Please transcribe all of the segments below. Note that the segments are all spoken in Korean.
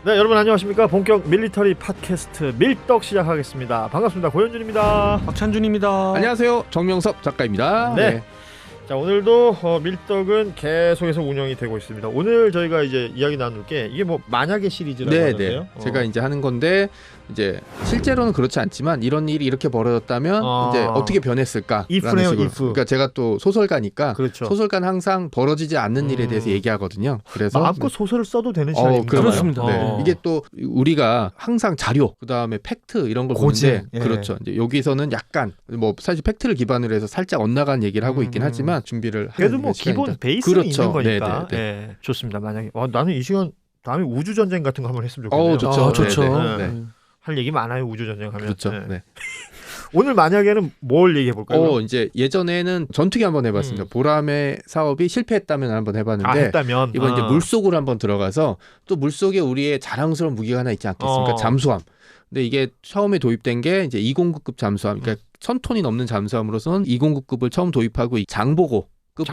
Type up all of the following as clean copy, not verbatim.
네, 여러분 안녕하십니까. 본격 밀리터리 팟캐스트 밀떡 시작하겠습니다. 반갑습니다. 고현준입니다. 박찬준입니다. 안녕하세요. 정명섭 작가입니다. 네. 자, 오늘도 밀떡은 계속해서 운영이 되고 있습니다. 오늘 저희가 이제 이야기 나눌 게 이게 뭐 만약의 시리즈라고 하는데요. 제가 이제 하는 건데 이제 실제로는 그렇지 않지만 이런 일이 이렇게 벌어졌다면 이제 어떻게 변했을까? if네요, if. 그러니까 제가 또 소설가니까 그렇죠. 소설가는 항상 벌어지지 않는 일에 대해서 얘기하거든요. 그래서 마음껏 소설을 써도 되는 시간입니다. 그렇습니다. 네. 이게 또 우리가 항상 자료, 그다음에 팩트 이런 걸 보는데 그렇죠. 이제 여기서는 약간 뭐 사실 팩트를 기반으로 해서 살짝 엇나간 얘기를 하고 있긴 하지만 준비를 그래도 뭐 기본 베이스는 그렇죠. 있는 거니까. 네. 좋습니다. 만약에 나는 이 시간 다음에 우주 전쟁 같은 거 한번 했으면 좋겠네요. 좋죠. 좋죠. 네. 할 얘기 많아요. 우주 전쟁 하면. 그렇죠. 네. 오늘 만약에는 뭘 얘기해 볼까요? 이제 예전에는 전투기 한번 해봤습니다. 보람의 사업이 실패했다면 한번 해봤는데 했다면 이번 이제 물속으로 한번 들어가서 또 물속에 우리의 자랑스러운 무기가 하나 있지 않겠습니까? 잠수함. 근데 이게 처음에 도입된 게 이제 209급 잠수함. 그러니까 1000톤이 넘는 잠수함으로서는 209급을 처음 도입하고 장보고.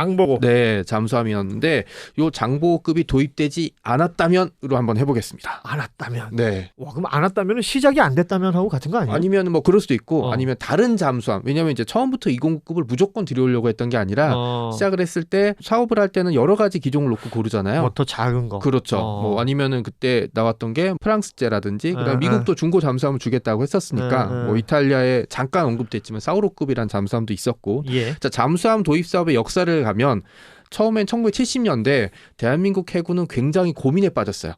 네, 잠수함이었는데 요 장보고급이 도입되지 않았다면으로 한번 해보겠습니다. 않았다면. 네. 와, 그럼 않았다면 시작이 안 됐다면 하고 같은 거 아니에요? 아니면 뭐 그럴 수도 있고 아니면 다른 잠수함. 왜냐하면 이제 처음부터 209급을 무조건 들여오려고 했던 게 아니라 시작을 했을 때 사업을 할 때는 여러 가지 기종을 놓고 고르잖아요. 뭐 더 작은 거. 그렇죠. 뭐 아니면은 그때 나왔던 게 프랑스제라든지 그다음 미국도 중고 잠수함을 주겠다고 했었으니까 뭐 이탈리아에 잠깐 언급됐지만 사우로급이란 잠수함도 있었고. 자, 잠수함 도입 사업의 역사를 가면 처음엔 1970년대 대한민국 해군은 굉장히 고민에 빠졌어요.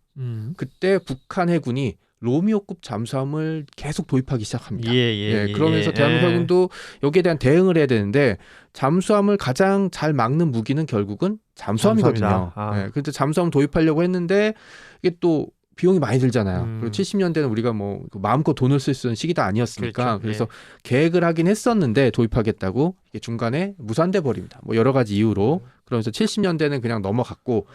그때 북한 해군이 로미오급 잠수함을 계속 도입하기 시작합니다. 그러면서 대한민국 해군도 여기에 대한 대응을 해야 되는데 잠수함을 가장 잘 막는 무기는 결국은 잠수함이거든요. 그런데 잠수함 도입하려고 했는데 이게 또 비용이 많이 들잖아요. 그리고 70년대는 우리가 뭐 마음껏 돈을 쓸 수 있는 시기도 아니었으니까. 그래서 계획을 하긴 했었는데 도입하겠다고 이게 중간에 무산돼 버립니다. 뭐 여러 가지 이유로. 그러면서 70년대는 그냥 넘어갔고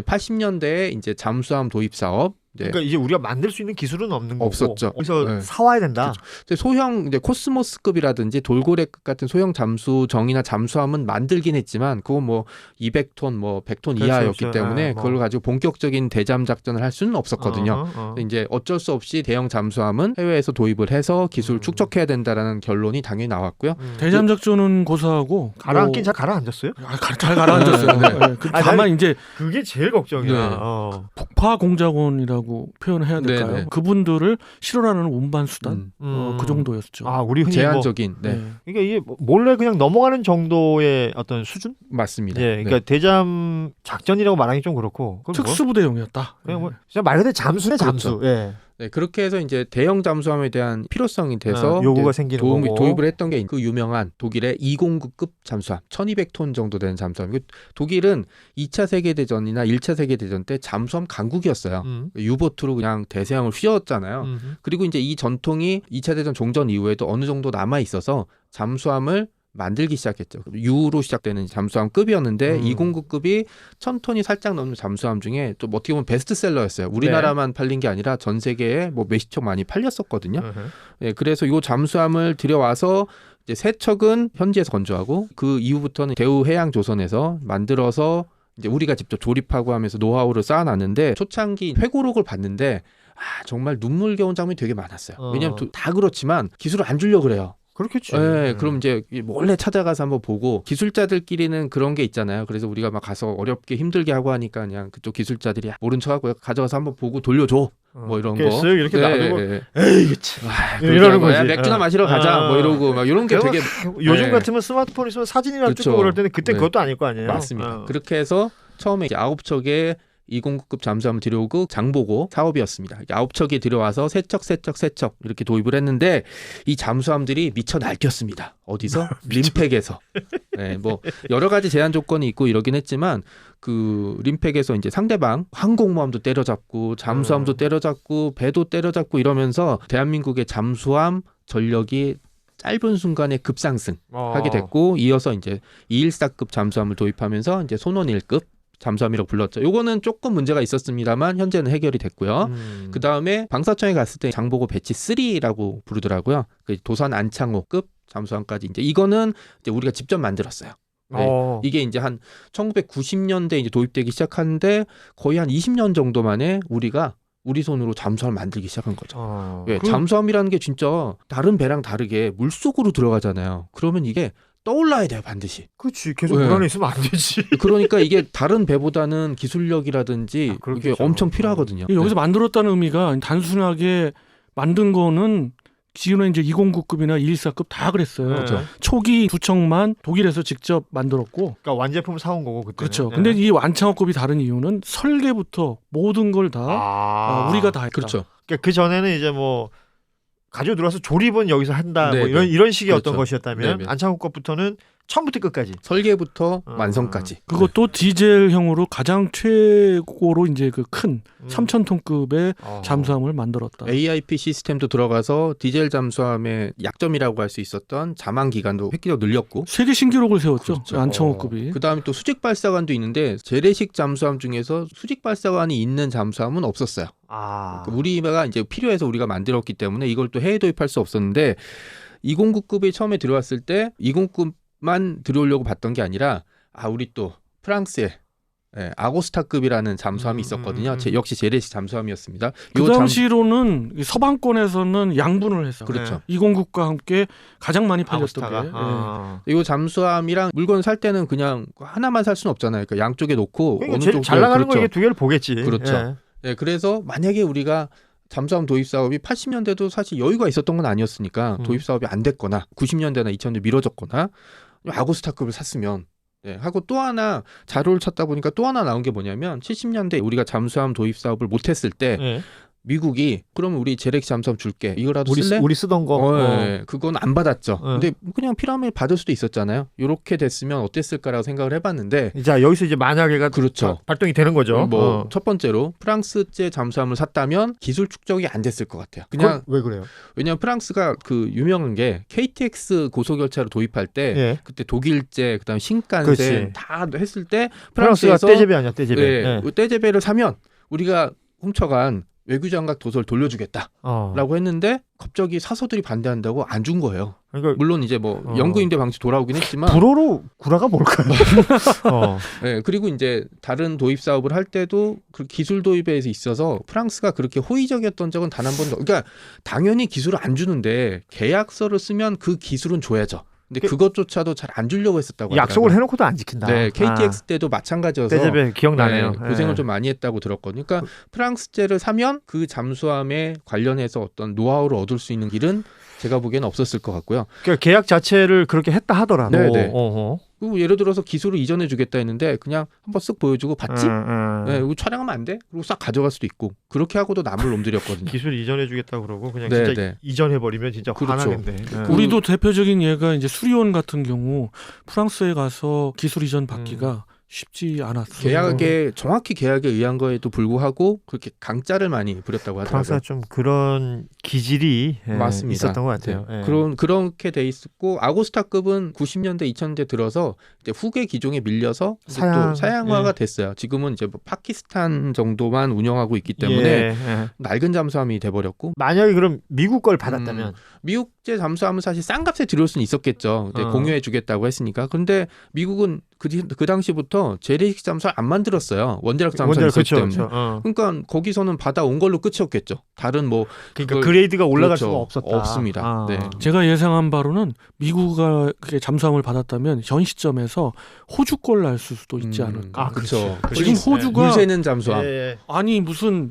80년대에 이제 잠수함 도입 사업. 그러니까 이제 우리가 만들 수 있는 기술은 없는 거고 없었죠. 그래서 사와야 된다. 그렇죠. 소형 이제 코스모스급이라든지 돌고래급 같은 소형 잠수정이나 잠수함은 만들긴 했지만 그건 뭐 200톤, 뭐 100톤 이하였기 때문에 그걸 가지고 본격적인 대잠 작전을 할 수는 없었거든요. 이제 어쩔 수 없이 대형 잠수함은 해외에서 도입을 해서 기술 축적해야 된다라는 결론이 당연히 나왔고요. 대잠 작전은 고사하고 가라앉긴 잘 가라앉았어요? 잘 가라앉았어요. 다만 이제 그게 제일 걱정이야. 폭파 공작원이라고 표현을 해야 될까요? 네네. 그분들을 실현하는 운반 수단 그 정도였죠. 우리 흔히 제한적인. 그러니까 이게 몰래 그냥 넘어가는 정도의 어떤 수준? 맞습니다. 그러니까 대잠 작전이라고 말하기 좀 그렇고 특수부대용이었다. 그냥 뭐 진짜 말 그대로 잠수네 잠수. 그렇죠. 그렇게 해서 이제 대형 잠수함에 대한 필요성이 돼서 요구가 생기는 거고 도입을 했던 게 그 유명한 독일의 209급 잠수함 1200톤 정도 되는 잠수함. 독일은 2차 세계대전이나 1차 세계대전 때 잠수함 강국이었어요. 유보트로 그냥 대서양을 휘었잖아요. 그리고 이제 이 전통이 2차 대전 종전 이후에도 어느 정도 남아 있어서 잠수함을 만들기 시작했죠. U로 시작되는 잠수함급이었는데 209급이 1000톤이 살짝 넘는 잠수함 중에 또 어떻게 보면 베스트셀러였어요. 우리나라만 팔린 게 아니라 전 세계에 뭐 몇십 척 많이 팔렸었거든요. 그래서 이 잠수함을 들여와서 이제 세 척은 현지에서 건조하고 그 이후부터는 대우해양조선에서 만들어서 이제 우리가 직접 조립하고 하면서 노하우를 쌓아놨는데 초창기 회고록을 봤는데 정말 눈물겨운 장면이 되게 많았어요. 왜냐하면 다 그렇지만 기술을 안 주려고 그래요. 그렇겠지. 그럼 이제 몰래 찾아가서 한번 보고 기술자들끼리는 그런 게 있잖아요. 그래서 우리가 막 가서 어렵게 힘들게 하고 하니까 그냥 그쪽 기술자들이 모른 척하고 가져가서 한번 보고 돌려줘. 뭐 이런 거. 이렇게 놔두고 에이 이러는 거지. 맥주나 마시러 가자. 뭐 이러고 막 이런 게 되게 요즘 같으면 스마트폰 있으면 사진이나 찍고 그럴 때는 그때 그것도 아닐 거 아니에요. 맞습니다. 그렇게 해서 처음에 이제 9척의 209급 잠수함을 들여오고 장보고 사업이었습니다. 9척이 들여와서 세 척 이렇게 도입을 했는데 이 잠수함들이 미쳐 날뛰었습니다. 어디서? 림팩에서. 뭐 여러 가지 제한 조건이 있고 이러긴 했지만 그 림팩에서 이제 상대방 항공모함도 때려잡고 잠수함도 때려잡고 배도 때려잡고 이러면서 대한민국의 잠수함 전력이 짧은 순간에 급상승하게 됐고 이어서 이제 214급 잠수함을 도입하면서 이제 손원 1급 잠수함이라고 불렀죠. 요거는 조금 문제가 있었습니다만 현재는 해결이 됐고요. 그 다음에 방사청에 갔을 때 장보고 배치 3라고 부르더라고요. 그 도산 안창호급 잠수함까지 이제 이거는 이제 우리가 직접 만들었어요. 이게 이제 한 1990년대 이제 도입되기 시작하는데 거의 한 20년 정도 만에 우리가 우리 손으로 잠수함을 만들기 시작한 거죠. 잠수함이라는 게 진짜 다른 배랑 다르게 물속으로 들어가잖아요. 그러면 이게 떠올라야 돼요, 반드시. 그렇지. 계속 물 안에 있으면 안 되지. 그러니까 이게 다른 배보다는 기술력이라든지 이게 엄청 필요하거든요. 여기서 만들었다는 의미가 단순하게 만든 거는 지금은 이제 209급이나 214급 다 그랬어요. 그렇죠. 초기 두 척만 독일에서 직접 만들었고. 그러니까 완제품 사온 거고 그때. 그렇죠. 근데 이 완창호급이 다른 이유는 설계부터 모든 걸 다 우리가 다 했다. 그렇죠. 그러니까 그 전에는 이제 뭐 가지고 들어와서 조립은 여기서 한다. 뭐 이런 식의 그렇죠. 어떤 것이었다면 안창호 것부터는 처음부터 끝까지 설계부터 완성까지. 그것도 디젤형으로 가장 최고로 이제 그 큰 3,000톤급의 잠수함을 만들었다. AIP 시스템도 들어가서 디젤 잠수함의 약점이라고 할 수 있었던 자망 기간도 획기적으로 늘렸고 세계 신기록을 세웠죠. 그렇죠. 안창호급이. 그다음에 또 수직 발사관도 있는데 재래식 잠수함 중에서 수직 발사관이 있는 잠수함은 없었어요. 그러니까 우리가 이제 필요해서 우리가 만들었기 때문에 이걸 또 해외 도입할 수 없었는데 209급이 처음에 들어왔을 때 209급만 들어오려고 봤던 게 아니라 우리 또 프랑스에 아고스타급이라는 잠수함이 있었거든요. 역시 재래식 잠수함이었습니다. 그 당시로는 서방권에서는 양분을 했어요. 그렇죠. 209급과 함께 가장 많이 팔렸던 게. 이 잠수함이랑 물건 살 때는 그냥 하나만 살 수는 없잖아요. 그러니까 양쪽에 놓고 그러니까 어느 쪽 잘 나가는 거 이게 두 개를 보겠지. 그렇죠. 그래서 만약에 우리가 잠수함 도입 사업이 80년대도 사실 여유가 있었던 건 아니었으니까 도입 사업이 안 됐거나 90년대나 2000년대 미뤄졌거나 아고스타급을 샀으면 하고 또 하나 자료를 찾다 보니까 또 하나 나온 게 뭐냐면 70년대 우리가 잠수함 도입 사업을 못했을 때 미국이 그러면 우리 재래식 잠수함 줄게. 이거라도 쓸래? 우리 쓰던 거. 그건 안 받았죠. 근데 그냥 필요하면 받을 수도 있었잖아요. 이렇게 됐으면 어땠을까라고 생각을 해봤는데 자 여기서 이제 만약에가 그렇죠. 발동이 되는 거죠. 첫 번째로 프랑스제 잠수함을 샀다면 기술 축적이 안 됐을 것 같아요. 그냥 왜 그래요? 왜냐하면 프랑스가 그 유명한 게 KTX 고속열차를 도입할 때 그때 독일제 그다음 신칸센 다 했을 때 프랑스가 떼제베 아니야 떼제베. 떼제베를 사면 우리가 훔쳐간 외교장각 도서를 돌려주겠다라고 했는데 갑자기 사서들이 반대한다고 안 준 거예요. 그러니까 물론 이제 뭐 영구임대 방식 돌아오긴 했지만 불어로 구라가 뭘까요? 그리고 이제 다른 도입 사업을 할 때도 그 기술 도입에 있어서 프랑스가 그렇게 호의적이었던 적은 단 한 번도. 그러니까 당연히 기술을 안 주는데 계약서를 쓰면 그 기술은 줘야죠. 근데 그것조차도 잘 안 주려고 했었다고 하더라고요. 약속을 해놓고도 안 지킨다. 네, KTX 때도 마찬가지여서 떼제베 기억나네요. 고생을 좀 많이 했다고 들었거든요. 그러니까 프랑스제를 사면 그 잠수함에 관련해서 어떤 노하우를 얻을 수 있는 길은 제가 보기에는 없었을 것 같고요. 그러니까 계약 자체를 그렇게 했다 하더라도. 그리고 예를 들어서 기술을 이전해 주겠다 했는데 그냥 한번 쓱 보여주고 받지? 이거 촬영하면 안 돼? 그리고 싹 가져갈 수도 있고 그렇게 하고도 남을 놈들이었거든요. 기술 이전해 주겠다 그러고 그냥 진짜 이전해 버리면 진짜 화나겠네. 우리도 대표적인 예가 이제 수리온 같은 경우 프랑스에 가서 기술 이전 받기가 쉽지 않았어요. 정확히 계약에 의한 거에도 불구하고 그렇게 강짜를 많이 부렸다고 하더라고요. 프랑스가 좀 그런 기질이 맞습니다. 있었던 것 같아요. 그렇게 돼 있었고 아고스타급은 90년대 2000년대 들어서 이제 후계 기종에 밀려서 또 사양화가 됐어요. 지금은 이제 뭐 파키스탄 정도만 운영하고 있기 때문에 낡은 잠수함이 돼버렸고. 만약에 그럼 미국 걸 받았다면 미국제 잠수함은 사실 싼 값에 들여올 수는 있었겠죠. 공유해 주겠다고 했으니까. 그런데 미국은 그 당시부터 재래식 잠수함 안 만들었어요. 원자력 잠수함 있었기 때문에. 그러니까 거기서는 받아온 걸로 끝이었겠죠. 다른 뭐 그러니까 그레이드가 올라갈 수가 없었다. 없습니다. 제가 예상한 바로는 미국가 잠수함을 받았다면 현 시점에서 호주 걸 날 수도 있지 않을까. 그렇죠. 지금 호주가 물 새는 잠수함. 아니 무슨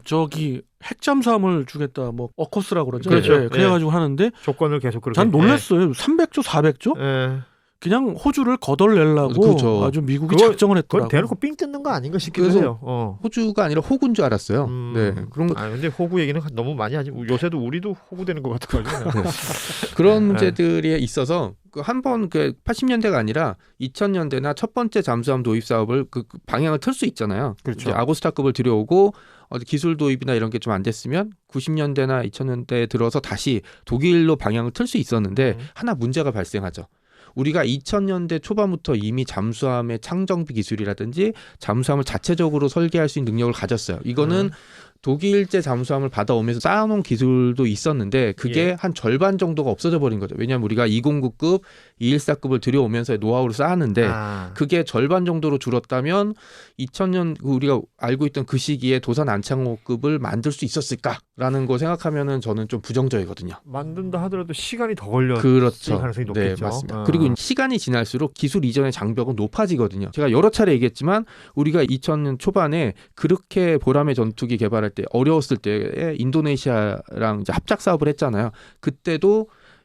핵 잠수함을 주겠다 뭐 어커스라고 그러죠. 그렇죠. 그래가지고 하는데 조건을 계속 그렇게. 전 놀랐어요. 300조, 400조? 그냥 호주를 거덜내려고 아주 미국이 작정을 했더라고요. 그건 대놓고 삥 뜯는 거 아닌가 싶기도 해요. 호주가 아니라 호구인 줄 알았어요. 그런 거. 근데 호구 얘기는 너무 많이 하지. 요새도 우리도 호구 되는 것 같아가지고. 그런 문제들이 있어서 한번 80년대가 아니라 2000년대나 첫 번째 잠수함 도입 사업을 그 방향을 틀 수 있잖아요. 그렇죠. 이제 아고스타급을 들여오고 기술 도입이나 이런 게 좀 안 됐으면 90년대나 2000년대에 들어서 다시 독일로 방향을 틀 수 있었는데 하나 문제가 발생하죠. 우리가 2000년대 초반부터 이미 잠수함의 창정비 기술이라든지 잠수함을 자체적으로 설계할 수 있는 능력을 가졌어요. 이거는 독일제 잠수함을 받아오면서 쌓아놓은 기술도 있었는데 그게 예. 한 절반 정도가 없어져 버린 거죠. 왜냐하면 우리가 209급, 214급을 들여오면서 노하우를 쌓았는데 그게 절반 정도로 줄었다면 2000년 우리가 알고 있던 그 시기에 도산 안창호급을 만들 수 있었을까라는 거 생각하면은 저는 좀 부정적이거든요. 만든다 하더라도 시간이 더 걸렸을 그렇죠. 가능성이 높겠죠. 네, 맞습니다. 그리고 시간이 지날수록 기술 이전의 장벽은 높아지거든요. 제가 여러 차례 얘기했지만 우리가 2000년 초반에 그렇게 보람의 전투기 개발할 때 어려웠을 때에 인도네시아랑 이제 합작 사업을 했잖아요. 그때도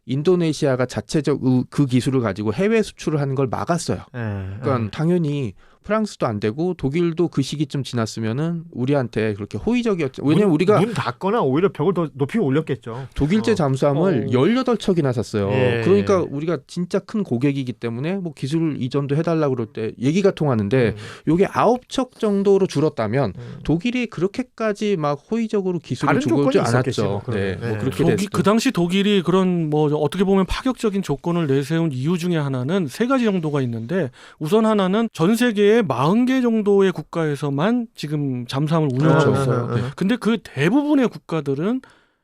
인도네시아가 자체적 그 기술을 가지고 해외 수출을 하는 걸 막았어요. 그러니까 당연히 프랑스도 안 되고 독일도 그 시기쯤 지났으면은 우리한테 그렇게 호의적이었죠. 왜냐면 우리가 문 닫거나 오히려 벽을 더 높이 올렸겠죠. 독일제 잠수함을 18척이나 샀어요. 예. 그러니까 우리가 진짜 큰 고객이기 때문에 뭐 기술 이전도 해달라고 그럴 때 얘기가 통하는데 요게 9척 정도로 줄었다면 독일이 그렇게까지 막 호의적으로 기술을 주고 있지 않았죠. 네. 뭐 그렇게 됐죠. 그 당시 독일이 그런 뭐 어떻게 보면 파격적인 조건을 내세운 이유 중에 하나는 세 가지 정도가 있는데 우선 하나는 전 세계에 40개 정도의 국가에서만 지금 잠수함을 운영하고 그렇죠. 있어요. 네. 근데 그 대부분의 국가들은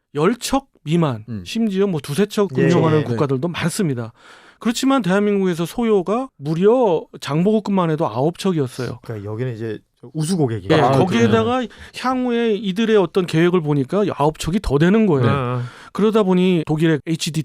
10척 미만, 심지어 뭐 두세 척 운영하는 예. 국가들도 많습니다. 그렇지만 대한민국에서 소요가 무려 장보고급만 해도 9척이었어요. 그러니까 여기는 이제 우수 고객이. 네, 거기에다가 향후에 이들의 어떤 계획을 보니까 9척이 더 되는 거예요. 그러다 보니 독일의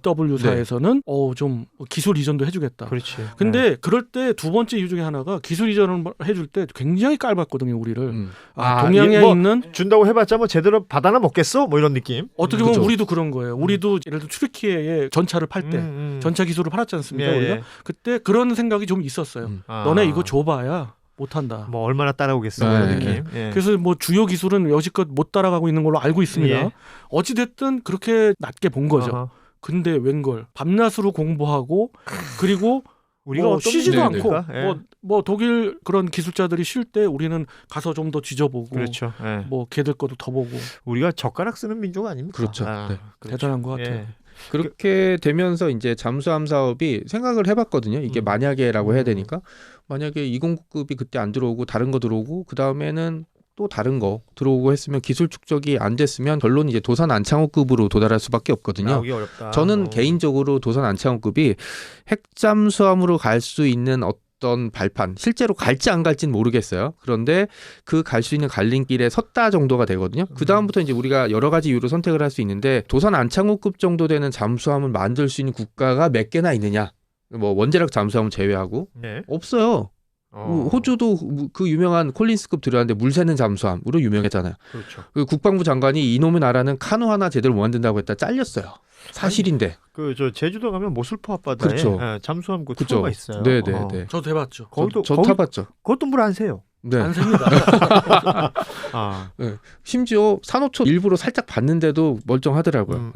HDW사에서는 좀 기술 이전도 해주겠다. 그렇지. 근데 그럴 때 두 번째 이유 중에 하나가 기술 이전을 해줄 때 굉장히 깔봤거든요, 우리를. 동양에 뭐 있는 준다고 해봤자 뭐 제대로 받아나 먹겠어? 뭐 이런 느낌. 어떻게 보면 우리도 그런 거예요. 우리도 예를 들어 튀르키예의 전차를 팔 때 전차 기술을 팔았지 않습니까? 예, 우리가 예. 그때 그런 생각이 좀 있었어요. 너네 이거 줘봐야 못한다. 뭐 얼마나 따라오겠어? 네. 이런 느낌. 예. 그래서 뭐 주요 기술은 여지껏 못 따라가고 있는 걸로 알고 있습니다. 예. 어찌 됐든 그렇게 낮게 본 거죠. 어허. 근데 웬걸 밤낮으로 공부하고 그리고 우리가 뭐 어떤 쉬지도 않고 민족입니까? 예. 뭐 독일 그런 기술자들이 쉴 때 우리는 가서 좀 더 뒤져보고 그렇죠. 예. 뭐 걔들 것도 더 보고 우리가 젓가락 쓰는 민족 아닙니까? 그렇죠. 네. 그렇죠. 대단한 것 같아요. 예. 그렇게 되면서 이제 잠수함 사업이 생각을 해봤거든요. 이게 만약에라고 해야 되니까 만약에 209급이 그때 안 들어오고 다른 거 들어오고 그 다음에는 또 다른 거 들어오고 했으면 기술 축적이 안 됐으면 결론이 이제 도산 안창호급으로 도달할 수밖에 없거든요. 나오기 어렵다. 저는 개인적으로 도산 안창호급이 핵잠수함으로 갈 수 있는 어떤 발판 실제로 갈지 안 갈지는 모르겠어요. 그런데 그 갈 수 있는 갈림길에 섰다 정도가 되거든요. 그 다음부터 이제 우리가 여러 가지 이유로 선택을 할 수 있는데 도산 안창호급 정도 되는 잠수함을 만들 수 있는 국가가 몇 개나 있느냐? 뭐 원자력 잠수함을 제외하고 네. 없어요. 호주도 그 유명한 콜린스급 들어왔는데 물 새는 잠수함으로 유명했잖아요. 그렇죠. 그 국방부 장관이 이놈의 나라는 카누 하나 제대로 못 만든다고 했다 잘렸어요. 사실인데. 그 저 제주도 가면 모슬포 앞바다에 그렇죠. 잠수함 그 그렇죠. 투어가 있어요. 네네네. 저도 해봤죠. 거기도 저 타봤죠. 그것도 물 안 새요. 네. 안 셉니다. 네. 심지어 산호초 일부러 살짝 봤는데도 멀쩡하더라고요.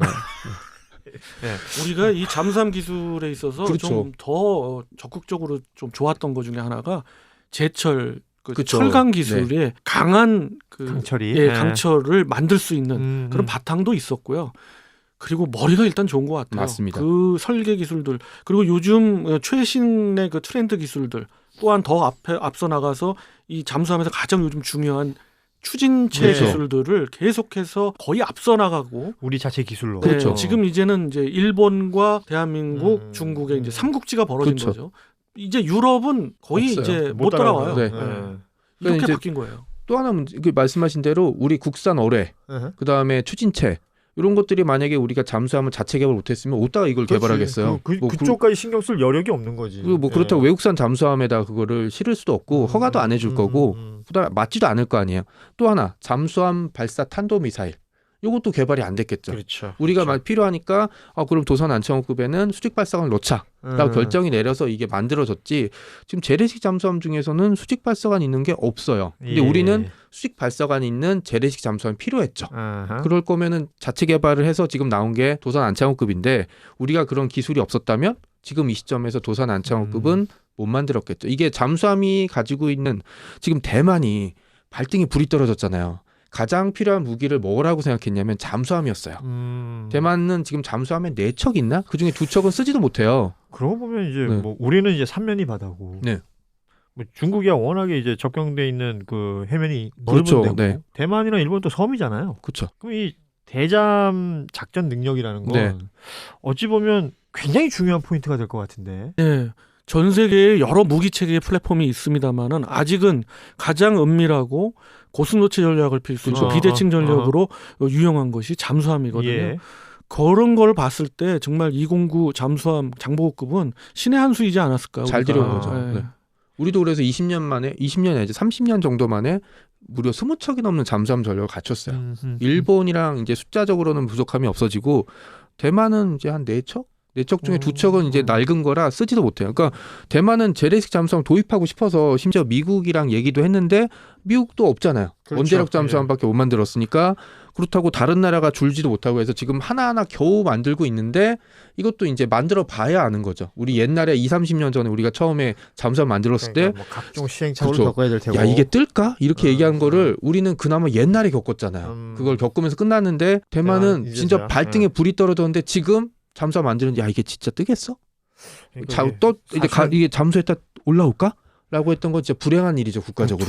우리가 이 잠수함 기술에 있어서 그렇죠. 좀 더 적극적으로 좀 좋았던 것 중에 하나가 제철 그쵸. 철강 기술에 강한 강철이 강철을 만들 수 있는 그런 바탕도 있었고요. 그리고 머리가 일단 좋은 것 같아요. 맞습니다. 그 설계 기술들 그리고 요즘 최신의 그 트렌드 기술들 또한 더 앞서 나가서 이 잠수함에서 가장 요즘 중요한 추진체 그렇죠. 기술들을 계속해서 거의 앞서 나가고 우리 자체 기술로. 네, 그렇죠. 지금 이제는 이제 일본과 대한민국, 중국의 이제 삼국지가 벌어진 그렇죠. 거죠. 이제 유럽은 거의 없어요. 이제 못 따라와요. 네. 이렇게 이제 바뀐 거예요. 또 하나 문제, 말씀하신 대로 우리 국산 어뢰, 그 다음에 추진체 이런 것들이 만약에 우리가 잠수함을 자체 개발 못했으면 어디다가 이걸 개발하겠어요. 그쪽까지 신경 쓸 여력이 없는 거지. 그리고 뭐 그렇다고 외국산 잠수함에다 그거를 실을 수도 없고 허가도 안 해줄 거고 그다음에 맞지도 않을 거 아니에요. 또 하나 잠수함 발사 탄도미사일. 이것도 개발이 안 됐겠죠. 그렇죠. 우리가 막 필요하니까 그럼 도산 안창호급에는 수직 발사관을 넣자라고 결정이 내려서 이게 만들어졌지. 지금 재래식 잠수함 중에서는 수직 발사관 있는 게 없어요. 근데 우리는 수직 발사관 있는 재래식 잠수함이 필요했죠. 그럴 거면은 자체 개발을 해서 지금 나온 게 도산 안창호급인데 우리가 그런 기술이 없었다면 지금 이 시점에서 도산 안창호급은 못 만들었겠죠. 이게 잠수함이 가지고 있는 지금 대만이 발등에 불이 떨어졌잖아요. 가장 필요한 무기를 뭐라고 생각했냐면 잠수함이었어요. 대만은 지금 잠수함에 4척 있나? 그중에 2척은 쓰지도 못해요. 그러고 보면 이제 네. 뭐 우리는 이제 삼면이 바다고. 네. 뭐 중국이야 워낙에 이제 접경돼 있는 그 해면이 그렇죠. 넓은데 네. 대만이나 일본 또 섬이잖아요. 그렇죠. 그럼 이 대잠 작전 능력이라는 건 네. 어찌 보면 굉장히 중요한 포인트가 될 것 같은데. 네. 전 세계에 여러 무기 체계의 플랫폼이 있습니다만은 아직은 가장 은밀하고 고슴도치 전략을 필수로 그렇죠. 비대칭 전략으로 유용한 것이 잠수함이거든요. 예. 그런 걸 봤을 때 정말 209 잠수함 장보고급은 신의 한 수이지 않았을까. 잘 우리가. 들여온 거죠. 네. 네. 우리도 그래서 20년이 아니죠. 30년 정도 만에 무려 20척이 넘는 잠수함 전력을 갖췄어요. 일본이랑 이제 숫자적으로는 부족함이 없어지고 대만은 이제 한 4척? 4척 중에 2척은 이제 낡은 거라 쓰지도 못해요. 그러니까 대만은 재래식 잠수함 도입하고 싶어서 심지어 미국이랑 얘기도 했는데 미국도 없잖아요. 그렇죠. 원자력 잠수함밖에 못 만들었으니까 그렇다고 다른 나라가 줄지도 못하고 해서 지금 하나하나 겨우 만들고 있는데 이것도 이제 만들어 봐야 아는 거죠. 우리 옛날에 20-30년 전에 우리가 처음에 잠수함 만들었을 그러니까 뭐 각종 시행착오를 그렇죠. 겪어야 될 테고. 때 야 이게 뜰까? 이렇게 얘기한 거를 우리는 그나마 옛날에 겪었잖아요. 그걸 겪으면서 끝났는데 대만은 이제서야. 진짜 발등에 불이 떨어졌는데 지금 잠수함 만드는데 야 이게 진짜 뜨겠어? 그러니까 이게 이제 이게 잠수했다 올라올까? 라고 했던 건 진짜 불행한 일이죠 국가적으로.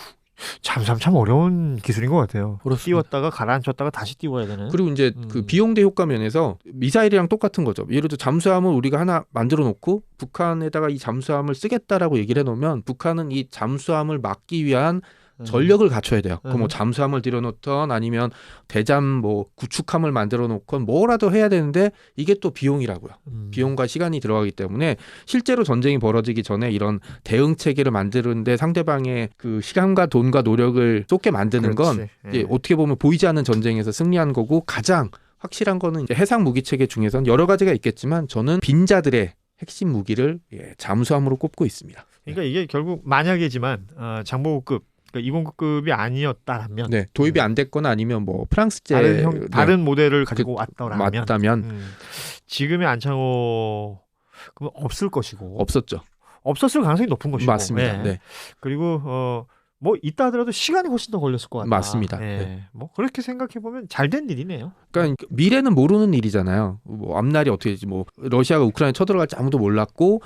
잠수함 참 어려운 기술인 것 같아요. 그렇습니다. 띄웠다가 가라앉혔다가 다시 띄워야 되는. 그리고 이제 그 비용대 효과 면에서 미사일이랑 똑같은 거죠. 예를 들어 잠수함을 우리가 하나 만들어 놓고 북한에다가 이 잠수함을 쓰겠다라고 얘기를 해놓으면 북한은 이 잠수함을 막기 위한 전력을 갖춰야 돼요. 그 뭐 잠수함을 들여놓던 아니면 대잠 뭐 구축함을 만들어 놓건 뭐라도 해야 되는데 이게 또 비용이라고요. 비용과 시간이 들어가기 때문에 실제로 전쟁이 벌어지기 전에 이런 대응 체계를 만드는데 상대방의 그 시간과 돈과 노력을 쏟게 만드는 건 이제 어떻게 보면 보이지 않는 전쟁에서 승리한 거고 가장 확실한 거는 이제 해상 무기 체계 중에서는 여러 가지가 있겠지만 저는 빈자들의 핵심 무기를 잠수함으로 꼽고 있습니다. 그러니까 이게 결국 만약이지만 장보고급 그러니까 209급이 아니었다면 도입이 안 됐거나 아니면 뭐 프랑스제 다른 모델을 가지고 왔다면 맞다면 지금의 안창호 그건 없을 것이고 없었죠. 없었을 가능성이 높은 것이고 맞습니다. 네. 그리고 뭐 있다 하더라도 시간이 훨씬 더 걸렸을 것 같다. 맞습니다. 네. 뭐 그렇게 생각해 보면 잘 된 일이네요. 그러니까 미래는 모르는 일이잖아요. 뭐 앞날이 어떻게 될지 뭐 러시아가 우크라이나 쳐들어갈지 아무도 몰랐고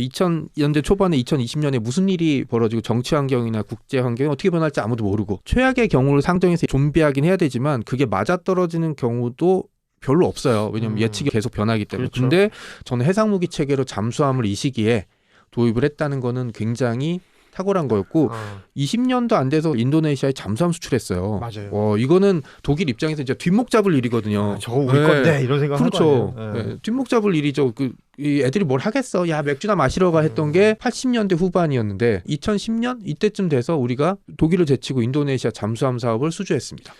2000년대 초반에 2020년에 무슨 일이 벌어지고 정치 환경이나 국제 환경이 어떻게 변할지 아무도 모르고 최악의 경우를 상정해서 좀비하긴 해야 되지만 그게 맞아떨어지는 경우도 별로 없어요. 왜냐하면 예측이 계속 변하기 때문에. 그렇죠. 근데 저는 해상무기 체계로 잠수함을 이 시기에 도입을 했다는 거는 굉장히 탁월한 거였고 20년도 안 돼서 인도네시아에 잠수함 수출했어요. 맞아요. 이거는 독일 입장에서 이제 뒷목 잡을 일이거든요. 저거 우리 건데 이런 생각 그렇죠. 할 거 아니에요. 뒷목 잡을 일이죠. 이 애들이 뭘 하겠어? 야 맥주나 마시러 가 했던 게 80년대 후반이었는데 2010년 이때쯤 돼서 우리가 독일을 제치고 인도네시아 잠수함 사업을 수주했습니다.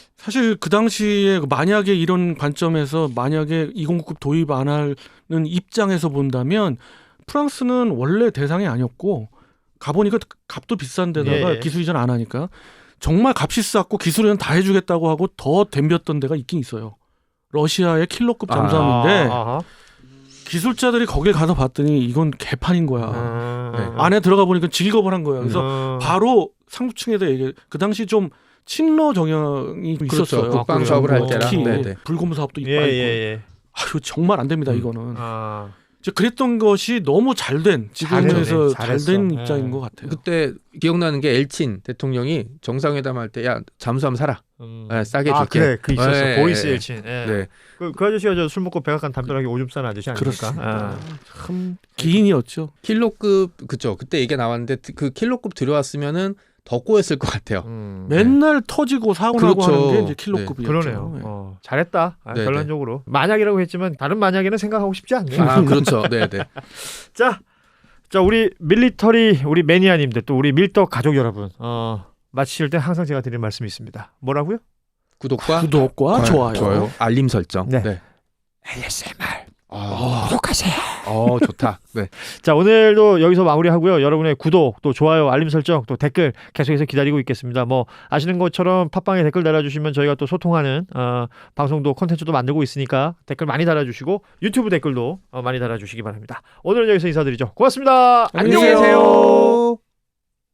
사실 그 당시에 만약에 이런 관점에서 만약에 209급 도입 안 하는 입장에서 본다면 프랑스는 원래 대상이 아니었고 가보니까 값도 비싼데다가 기술 이전 안 하니까 정말 값이 쌌고 기술 이전 다 해주겠다고 하고 더 덤볐던 데가 있긴 있어요. 러시아의 킬러급 잠수함인데 기술자들이 거길 가서 봤더니 이건 개판인 거야. 안에 들어가 보니까 직업을 한 거야. 그래서 바로 상층에다 얘기해. 그 당시 좀 친러 정형이 있었어요. 국방 사업을 할 때라. 특히 불곰 사업도 있고. 아유 정말 안 됩니다 이거는. 그랬던 것이 너무 잘된 지금에서 잘된 입장인 것 같아요. 그때 기억나는 게 엘친 대통령이 정상회담 할 때 야 잠수함 사라. 싸게 줄게. 그래, 그 있었어. 보리스 엘친. 그 아저씨가 술 먹고 백악관 담벼락에 오줌 싸는 아저씨 아닙니까? 참 기인이었죠. 킬로급 그쵸. 그때 얘기가 나왔는데 그 킬로급 들어왔으면은 더 꼬였을 것 같아요. 맨날 터지고 사고 나고 하는 게 이제 킬로급이었죠. 그러네요. 잘했다. 결론적으로. 만약이라고 했지만 다른 만약에는 생각하고 싶지 않네요. 그렇죠. 네네. 자 우리 밀리터리 우리 매니아님들 또 우리 밀떡 가족 여러분 마치실 때 항상 제가 드리는 말씀이 있습니다. 뭐라고요? 구독과 좋아요. 알림 설정. 네. ASMR 구독하세요. 좋다. 네. 자 오늘도 여기서 마무리하고요. 여러분의 구독 또 좋아요 알림 설정 또 댓글 계속해서 기다리고 있겠습니다. 뭐 아시는 것처럼 팟빵에 댓글 달아주시면 저희가 또 소통하는 방송도 콘텐츠도 만들고 있으니까 댓글 많이 달아주시고 유튜브 댓글도 많이 달아주시기 바랍니다. 오늘은 여기서 인사드리죠. 고맙습니다. 안녕히 계세요.